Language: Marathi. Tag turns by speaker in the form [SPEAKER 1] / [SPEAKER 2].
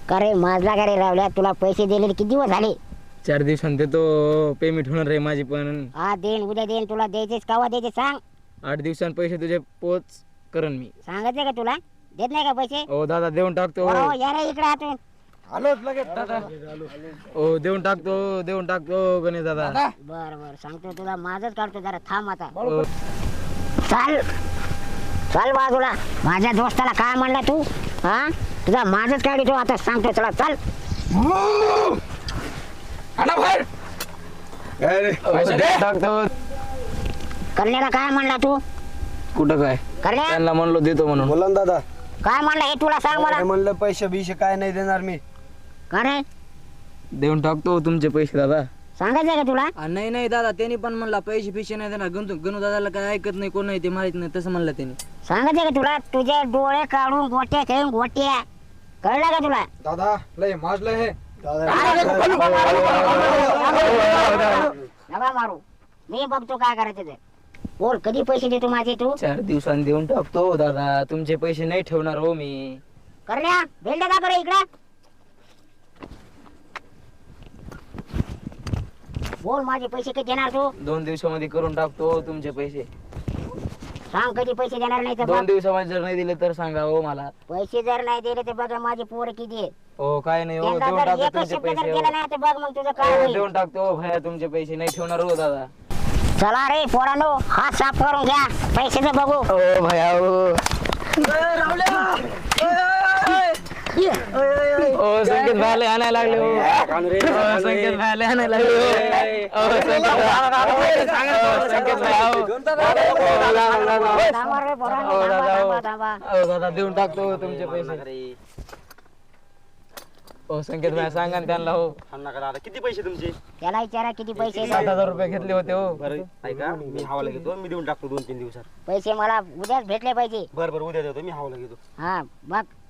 [SPEAKER 1] का रे माझला का रे रावल्या, तुला पैसे दिलेले किती दिवस झाले?
[SPEAKER 2] 4 दिवसांत देतो पेमेंट होणार आहे माझी पण.
[SPEAKER 1] हा देईन, उद्या देईन. तुला द्यायचेच केव्हा द्यायचे सांग.
[SPEAKER 2] 8 दिवसांत पैसे तुझे पोच करण मी.
[SPEAKER 1] सांगायचं का तुला? देत नाही का पैसे?
[SPEAKER 2] ओ दादा देऊन टाकतो.
[SPEAKER 1] हो या रे इकडे आतून.
[SPEAKER 2] आलोच लगेच दादा. ओ देऊन टाकतो गणेश दादा.
[SPEAKER 1] बर बर सांगतो तुला, माझच काढतो जरा थांब आता.
[SPEAKER 2] ओ,
[SPEAKER 1] चाल चल बाजूला. माझ्या दोस्ताला काय म्हणला तू? हा तुझा माझच काढतो आता, सांगतो चला चल.
[SPEAKER 2] देऊन टाकतो.
[SPEAKER 1] करण्याला काय म्हणला तू?
[SPEAKER 2] कुठं काय
[SPEAKER 1] करण्या
[SPEAKER 2] त्यांना म्हणलो देतो म्हणून.
[SPEAKER 3] बोला ना दादा.
[SPEAKER 1] काय म्हणलं हे तुला सांग मला.
[SPEAKER 3] काय म्हणलं पैसे बिशे काय नाही देणार मी.
[SPEAKER 1] का रे
[SPEAKER 2] देऊन टाकतो तुमचे पैसे दादा.
[SPEAKER 1] सांगायचं का तुला?
[SPEAKER 4] नाही नाही दादा, त्यांनी पण म्हणला पैसे पिशे नाही देणार. गणू दादाला काय ऐकत नाही, कोण नाही ते माहित नाही, तसं म्हणलं त्यांनी.
[SPEAKER 1] सांगायचं का तुला? तुझे डोळे काढून गोट्या खेळून गोट्या. कळलं का तुला?
[SPEAKER 3] दादा लय माजलं हे.
[SPEAKER 1] नका मारू, मी बघतो काय करायचं ते. बोल कधी पैसे देतो माझे तू?
[SPEAKER 2] 4 दिवसांनी देऊन टाकतो दादा. तुमचे पैसे नाही ठेवणार हो मी.
[SPEAKER 1] करण्या भेंड का बरं इकडे? बोल माझे पैसे कधी देणार तू?
[SPEAKER 2] 2 दिवसामध्ये करून टाकतो तुमचे पैसे.
[SPEAKER 1] सांग कधी पैसे देणार नाही तर
[SPEAKER 2] 2
[SPEAKER 1] बघ.
[SPEAKER 2] दिवसामध्ये जर नाही दिले तर सांगा हो मला.
[SPEAKER 1] पैसे जर नाही दिले तर बघा माझे पोर किती आहेत.
[SPEAKER 2] हो काय नाही हो.
[SPEAKER 1] त्यांना
[SPEAKER 2] देऊन
[SPEAKER 1] जर
[SPEAKER 2] टाकतो
[SPEAKER 1] एकच
[SPEAKER 2] तुमचे
[SPEAKER 1] शब्द जर
[SPEAKER 2] पैसे
[SPEAKER 1] केला
[SPEAKER 2] हो.
[SPEAKER 1] नाही तर बघ मग तुझं काय
[SPEAKER 2] हो,
[SPEAKER 1] होईल.
[SPEAKER 2] देऊन टाकतो हो भया, तुमचे पैसे नाही ठेवणार हो दादा.
[SPEAKER 1] चला रे पोरांनो, हात साफ करून घ्या, पैशाचं बघू.
[SPEAKER 2] हो भया हो. ओ संकेत भाले आणायला लागले हो. ओ, संकेत भाले आणायला लागले हो. ओ, संकेत भाई हो.
[SPEAKER 1] थांबा रे पोरांनो,
[SPEAKER 2] हो,
[SPEAKER 1] थांबा,
[SPEAKER 2] दादा, हो.
[SPEAKER 1] थांबा, थांबा.
[SPEAKER 2] ओ दादा देऊन टाकतो तुमचे पैसे. ओ संकेत भाई सांगा ना त्यांना हो.
[SPEAKER 3] किती पैसे तुमचे?
[SPEAKER 1] त्याला विचारा किती पैसे आहेत.
[SPEAKER 2] 7,000 रुपये घेतले होते हो.
[SPEAKER 3] बरं ऐका, मी हवाला घेतो. मी देऊन टाकतो 2-3 दिवसात.
[SPEAKER 1] पैसे मला उद्याच भेटले पाहिजे.
[SPEAKER 3] बरं उद्या देतो मी हवाला घेतो.
[SPEAKER 1] हा बघ